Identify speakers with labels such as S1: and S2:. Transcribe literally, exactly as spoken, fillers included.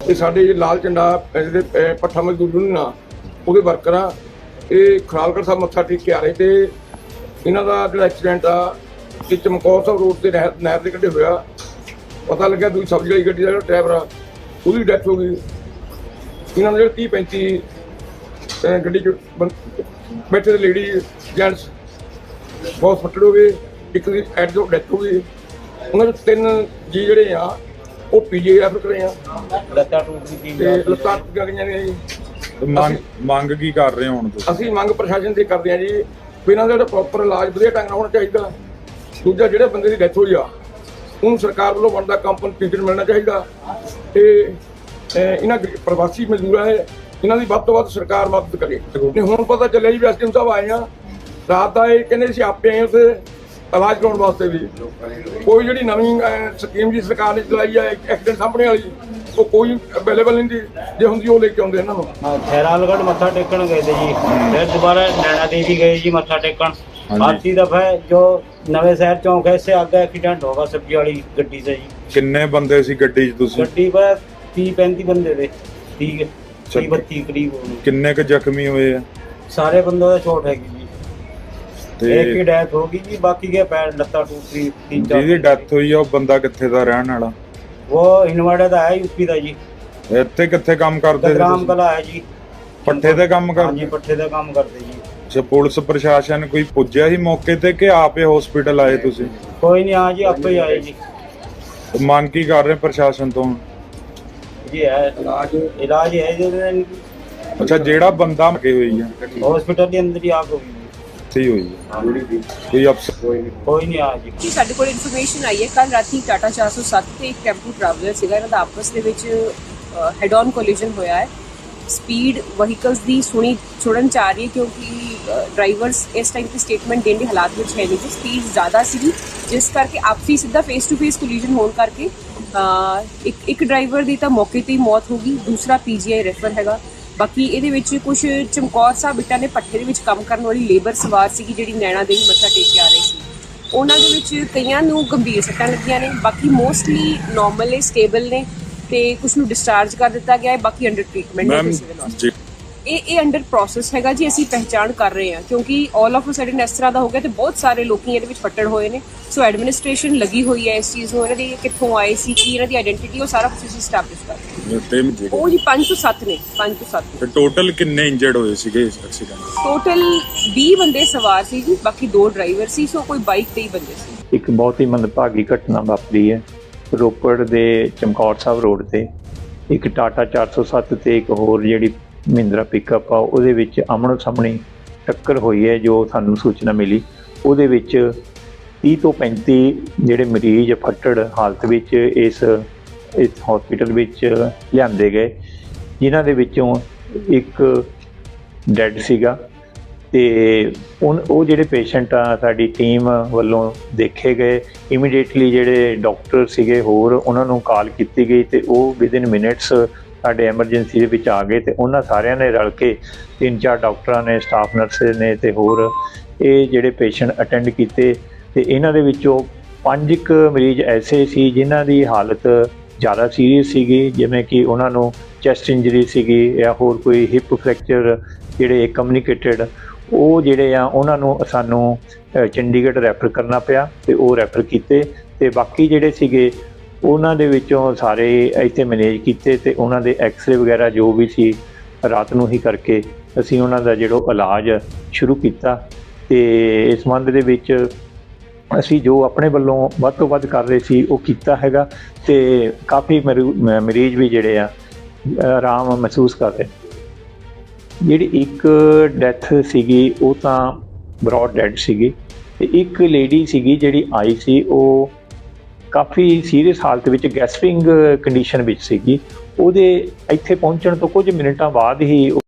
S1: ये साडे लाल झंडा पट्ठा मजदूर यूनियन आ ਉਹਦੇ वर्कर आ ये खरालगढ़ साहब मत्था टेक के आ रहे थे। इन्हों का जो एक्सीडेंट आ कि चमकौर साहब रोड से नहर नहर के कड्ढे होया, पता लग्या दूसरी सब्जी वाली गड्डी का जो ड्राइवर आ उसकी डैथ हो गई। इन्होंने जो तीह पैंती गड्डी च बैठे थे लेडी जेंट्स बहुत फट्टड़ हो गए, एक की एट जो डैथ हो गई। उन्होंने तीन जी जोड़े आ वो पीजी रैफर करे आ, लत्तां टूट गई ने जी।
S2: ਮੰਗ ਮੰਗ ਕੀ ਕਰ ਰਹੇ ਹੋ ਹੁਣ ਤੁਸੀਂ?
S1: ਅਸੀਂ ਮੰਗ ਪ੍ਰਸ਼ਾਸਨ ਤੇ ਕਰਦੇ ਹਾਂ ਜੀ ਵੀ ਇਹਨਾਂ ਦਾ ਜਿਹੜਾ ਪ੍ਰੋਪਰ ਇਲਾਜ ਵਧੀਆ ਢੰਗ ਨਾਲ ਹੋਣਾ ਚਾਹੀਦਾ। ਦੂਜਾ ਜਿਹੜੇ ਬੰਦੇ ਦੀ ਡੈਥ ਹੋਈ ਆ ਉਹਨੂੰ ਸਰਕਾਰ ਵੱਲੋਂ ਬਣਦਾ ਕੰਪਨਸੇਸ਼ਨ ਮਿਲਣਾ ਚਾਹੀਦਾ ਤੇ ਇਹਨਾਂ ਪ੍ਰਵਾਸੀ ਮਜ਼ਦੂਰਾਂ ਹੈ ਇਹਨਾਂ ਦੀ ਵੱਧ ਤੋਂ ਵੱਧ ਸਰਕਾਰ ਮਦਦ ਕਰੇ। ਤੇ ਹੁਣ ਪਤਾ ਚੱਲਿਆ ਜੀ ਵੀ ਐਸਡੀਐਮ ਸਾਹਿਬ ਆਏ ਆ ਰਾਤ ਦਾ, ਇਹ ਕਹਿੰਦੇ ਸੀ ਆਪੇ ਆਏ ਉੱਥੇ ਇਲਾਜ ਕਰਾਉਣ ਵਾਸਤੇ ਵੀ। ਕੋਈ ਜਿਹੜੀ ਨਵੀਂ ਸਕੀਮ ਜੀ ਸਰਕਾਰ ਨੇ ਚਲਾਈ ਆ ਐਕਸੀਡੈਂਟ ਸਾਹਮਣੇ ਵਾਲੀ ਉਹ ਕੋਈ ਅਵੇਲੇਬਲ ਨਹੀਂ ਦੀ, ਜੇ ਹੁੰਦੀ ਉਹ ਲੈ ਕੇ ਆਉਂਦੇ ਇਹਨਾਂ ਨੂੰ।
S3: ਖੈਰਾਲਗੜ੍ਹ ਮੱਥਾ ਟੇਕਣ ਗਏ ਤੇ ਜੀ, ਫਿਰ ਦੁਬਾਰਾ ਨੈਣਾ ਦੇਵੀ गए जी मत्था टेकन। आती दफा जो नवे शहर चौक है इससे आगे एक्सीडेंट होगा सब्जी वाली गड्डी से जी।
S2: किन्ने बंदे सी गड्डी च तुसी?
S3: गड्डी पर तीह पैंती बंदे थे, ठीक है तीह बत्ती करीब।
S2: किन्ने क जख्मी हुए हैं?
S3: सारे बंदों का चोट हैगी जी, एक की डेथ होगी जी, बाकी के पैर लत्ता टूट गई। तीन चार
S2: जिहदी डेथ हुई है वो बंदा कित्थे दा रहन वाला?
S3: वो हिनवाड़े दा है, यूपी दा जी।
S2: ਇੱਥੇ ਕਿੱਥੇ ਕੰਮ ਕਰਦੇ ਸੀ?
S3: ਰਾਮ ਕਲਾ ਹੈ ਜੀ,
S2: ਪੱਠੇ ਤੇ ਕੰਮ ਕਰਦੇ?
S3: ਹਾਂਜੀ ਪੱਠੇ ਤੇ ਕੰਮ ਕਰਦੇ ਜੀ।
S2: ਅੱਛਾ, ਪੁਲਿਸ ਪ੍ਰਸ਼ਾਸਨ ਕੋਈ ਪੁੱਜਿਆ ਸੀ ਮੌਕੇ ਤੇ ਕਿ ਆਪੇ ਹਸਪੀਟਲ ਆਏ ਤੁਸੀਂ?
S3: ਕੋਈ ਨਹੀਂ ਆ ਜੀ, ਆਪੇ ਹੀ ਆਏ ਜੀ।
S2: ਮੰਗ ਕੀ ਕਰ ਰਹੇ ਪ੍ਰਸ਼ਾਸਨ ਤੋਂ?
S3: ਜੀ ਹੈ ਇਲਾਜ ਇਲਾਜ ਹੈ ਜੀ।
S2: ਅੱਛਾ, ਜਿਹੜਾ ਬੰਦਾ ਮਕੇ ਹੋਈ ਹੈ
S3: ਹਸਪੀਟਲ ਦੇ ਅੰਦਰ ਹੀ ਆਗ ਹੋਈ
S2: ਸਹੀ ਹੋਈ ਹੈ, ਕੋਈ ਅਫਸਰ
S3: ਕੋਈ ਨਹੀਂ ਆ ਜੀ।
S4: ਕਿ ਸਾਡੇ ਕੋਲ ਇਨਫੋਰਮੇਸ਼ਨ ਆਈ ਹੈ ਕੱਲ ਰਾਤੀ ਟਾਟਾ ਚਾਰ ਸੌ ਸੱਤ ਤੇ ਇੱਕ ਟੈਂਪੂ ਟਰੈਵਲਰ ਸੀਗਾ, ਇਹਨਾਂ ਦਾ ਆਪਸ ਦੇ ਵਿੱਚ ਹੈਡ ਔਨ ਕੋਲੀਜਨ ਹੋਇਆ ਹੈ। ਸਪੀਡ ਵਹੀਕਲਸ ਦੀ ਸੁਣੀ ਸੁਣਨ ਚ ਆ ਰਹੀ ਹੈ ਕਿਉਂਕਿ ਡਰਾਈਵਰਸ ਇਸ ਟਾਈਮ ਤੇ ਸਟੇਟਮੈਂਟ ਦੇਣ ਦੇ ਹਾਲਾਤ ਵਿੱਚ ਹੈ ਨਹੀਂ ਜੀ। ਸਪੀਡ ਜ਼ਿਆਦਾ ਸੀਗੀ ਜਿਸ ਕਰਕੇ ਆਪਸੀ ਸਿੱਧਾ ਫੇਸ ਟੂ ਫੇਸ ਕੋਲੀਜਨ ਹੋਣ ਕਰਕੇ ਇੱਕ ਇੱਕ ਡਰਾਈਵਰ ਦੀ ਤਾਂ ਮੌਕੇ ਤੇ ਹੀ ਮੌਤ ਹੋ ਗਈ, ਦੂਸਰਾ ਪੀਜੀਆਈ ਰੈਫਰ ਹੈਗਾ। ਬਾਕੀ ਇਹਦੇ ਵਿੱਚ ਕੁਝ ਚਮਕੌਰ ਸਾਹਿਬ ਇੱਟਾਂ ਦੇ ਪੱਠੇ ਦੇ ਵਿੱਚ ਕੰਮ ਕਰਨ ਵਾਲੀ ਲੇਬਰ ਸਵਾਰ ਸੀਗੀ ਜਿਹੜੀ ਨੈਣਾ ਦੇਵੀ ਮੱਥਾ ਟੇਕ ਕੇ ਆ ਰਹੀ ਸੀ। ਉਹਨਾਂ ਦੇ ਵਿੱਚ ਕਈਆਂ ਨੂੰ ਗੰਭੀਰ ਸੱਟਾਂ ਲੱਗੀਆਂ ਨੇ, ਬਾਕੀ ਮੋਸਟਲੀ ਨਾਰਮਲ ਨੇ, ਸਟੇਬਲ ਨੇ ਤੇ ਕੁਝ ਨੂੰ ਡਿਸਚਾਰਜ ਕਰ ਦਿੱਤਾ ਗਿਆ ਹੈ, ਬਾਕੀ ਅੰਡਰ ਟ੍ਰੀਟਮੈਂਟ ਹੈ ਸਿਵਲ ਹਸਪਤਾਲ। ਇਹ ਇਹ ਅੰਡਰ ਪ੍ਰੋਸੈਸ ਹੈਗਾ ਜੀ, ਅਸੀਂ ਪਹਿਚਾਣ ਕਰ ਰਹੇ ਹਾਂ ਕਿਉਂਕਿ ਆਲ ਆਫ ਅ ਸਡਨ ਇਸ ਤਰ੍ਹਾਂ ਦਾ ਹੋ ਗਿਆ ਤੇ ਬਹੁਤ ਸਾਰੇ ਲੋਕੀ ਇਹਦੇ ਵਿੱਚ ਫੱਟੜ ਹੋਏ ਨੇ। ਸੋ ਐਡਮਿਨਿਸਟ੍ਰੇਸ਼ਨ ਲੱਗੀ ਹੋਈ ਹੈ ਇਸ ਚੀਜ਼ ਨੂੰ, ਇਹਨਾਂ ਦੀ ਕਿੱਥੋਂ ਆਏ ਸੀ, ਕੀ ਇਹਨਾਂ ਦੀ ਆਇਡੈਂਟੀਟੀ, ਉਹ ਸਾਰਾ ਕੁਝ ਅਸੀਂ ਸਟੈਬਲਿਸ਼ ਕਰ ਰਹੇ ਹਾਂ। ਉਹ ਜੀ ਪੰਜ ਤੋਂ ਸੱਤ ਨੇ, ਪੰਜ ਤੋਂ ਸੱਤ।
S2: ਟੋਟਲ ਕਿੰਨੇ ਇੰਜਰਡ ਹੋਏ ਸੀਗੇ ਇਸ ਐਕਸੀਡੈਂਟ?
S4: ਟੋਟਲ ਵੀਹ ਬੰਦੇ ਸਵਾਰ ਸੀ ਜੀ, ਬਾਕੀ ਦੋ ਡਰਾਈਵਰ ਸੀ, ਸੋ ਕੋਈ ਬਾਈਕ ਤੇ ਹੀ ਬੰਦੇ ਸੀ।
S5: ਇੱਕ ਬਹੁਤ ਹੀ ਮੰਦਭਾਗੀ ਘਟਨਾ ਵਾਪਰੀ ਹੈ ਰੋਪੜ ਦੇ ਚਮਕੌਰ ਸਾਹਿਬ ਰੋਡ ਤੇ। ਇੱਕ ਟਾਟਾ ਚਾਰ ਸੌ ਸੱਤ ਤੇ ਇੱਕ ਹੋਰ ਜਿਹੜੀ ਮਹਿੰਦਰਾ ਪਿਕਅਪ ਆ ਉਹਦੇ ਵਿੱਚ ਆਮਣੋ ਸਾਹਮਣੇ ਟੱਕਰ ਹੋਈ ਹੈ। ਜੋ ਸਾਨੂੰ ਸੂਚਨਾ ਮਿਲੀ ਉਹਦੇ ਵਿੱਚ ਤੀਹ ਤੋਂ ਪੈਂਤੀ ਜਿਹੜੇ ਮਰੀਜ਼ ਫੱਟੜ ਹਾਲਤ ਵਿੱਚ ਇਸ ਇਸ ਹਸਪੀਟਲ ਵਿੱਚ ਲਿਆਂਦੇ ਗਏ, ਜਿਨ੍ਹਾਂ ਦੇ ਵਿੱਚੋਂ ਇੱਕ ਡੈੱਡ ਸੀਗਾ ਤੇ ਉਹ ਜਿਹੜੇ ਪੇਸ਼ੈਂਟ ਆ ਸਾਡੀ ਟੀਮ ਵੱਲੋਂ ਦੇਖੇ ਗਏ। ਇਮੀਡੀਏਟਲੀ ਜਿਹੜੇ ਡਾਕਟਰ ਸੀਗੇ ਹੋਰ ਉਹਨਾਂ ਨੂੰ ਕਾਲ ਕੀਤੀ ਗਈ ਤੇ ਉਹ ਵਿਦਿਨ ਮਿੰਟਸ ਸਾਡੇ ਐਮਰਜੈਂਸੀ ਦੇ ਵਿੱਚ ਆ ਗਏ ਤੇ ਉਹਨਾਂ ਸਾਰਿਆਂ ਨੇ ਰਲ ਕੇ ਤਿੰਨ ਚਾਰ ਡਾਕਟਰਾਂ ਨੇ, ਸਟਾਫ ਨਰਸਿਸ ਨੇ ਤੇ ਹੋਰ ਇਹ ਜਿਹੜੇ ਪੇਸ਼ੈਂਟ ਅਟੈਂਡ ਕੀਤੇ। ਤੇ ਇਹਨਾਂ ਦੇ ਵਿੱਚੋਂ ਪੰਜ ਕੁ ਮਰੀਜ਼ ਐਸੇ ਸੀ ਜਿਨ੍ਹਾਂ ਦੀ ਹਾਲਤ ਜ਼ਿਆਦਾ ਸੀਰੀਅਸ ਸੀਗੀ, ਜਿਵੇਂ ਕਿ ਉਹਨਾਂ ਨੂੰ ਚੈਸਟ ਇੰਜਰੀ ਸੀਗੀ ਜਾਂ ਹੋਰ ਕੋਈ ਹਿਪ ਫ੍ਰੈਕਚਰ ਜਿਹੜੇ ਕਮਿਊਨੀਕੇਟਡ, ਉਹ ਜਿਹੜੇ ਆ ਉਹਨਾਂ ਨੂੰ ਸਾਨੂੰ ਚੰਡੀਗੜ੍ਹ ਰੈਫਰ ਕਰਨਾ ਪਿਆ ਤੇ ਉਹ ਰੈਫਰ ਕੀਤੇ। ਤੇ ਬਾਕੀ ਜਿਹੜੇ ਸੀਗੇ ਉਹਨਾਂ ਦੇ ਵਿੱਚੋਂ ਸਾਰੇ ਇੱਥੇ ਮੈਨੇਜ ਕੀਤੇ ਤੇ ਉਹਨਾਂ ਦੇ ਐਕਸਰੇ ਵਗੈਰਾ ਜੋ ਵੀ ਸੀ ਰਾਤ ਨੂੰ ਹੀ ਕਰਕੇ ਅਸੀਂ ਉਹਨਾਂ ਦਾ ਜਿਹੜਾ ਇਲਾਜ ਸ਼ੁਰੂ ਕੀਤਾ। ਤੇ ਇਸ ਸੰਬੰਧ ਦੇ ਵਿੱਚ ਅਸੀਂ ਜੋ ਆਪਣੇ ਵੱਲੋਂ ਵੱਧ ਤੋਂ ਵੱਧ ਕਰ ਰਹੇ ਸੀ ਉਹ ਕੀਤਾ ਹੈਗਾ ਤੇ ਕਾਫੀ ਮਰੀਜ਼ ਵੀ ਜਿਹੜੇ ਆ ਆਰਾਮ ਮਹਿਸੂਸ ਕਰ ਰਹੇ। ਜਿਹੜੀ ਇੱਕ ਡੈਥ ਸੀਗੀ ਉਹ ਤਾਂ ਬਰੌਡ ਡੈਡ ਸੀਗੀ ਤੇ ਇੱਕ ਲੇਡੀ ਸੀਗੀ ਜਿਹੜੀ ਆਈ ਸੀ ਉਹ ਕਾਫੀ ਸੀਰੀਅਸ ਹਾਲਤ ਵਿੱਚ ਗੈਸਪਿੰਗ ਕੰਡੀਸ਼ਨ ਵਿੱਚ ਸੀਗੀ। ਉਹਦੇ ਇੱਥੇ ਪਹੁੰਚਣ ਤੋਂ ਕੁਝ ਮਿੰਟਾਂ ਬਾਅਦ ਹੀ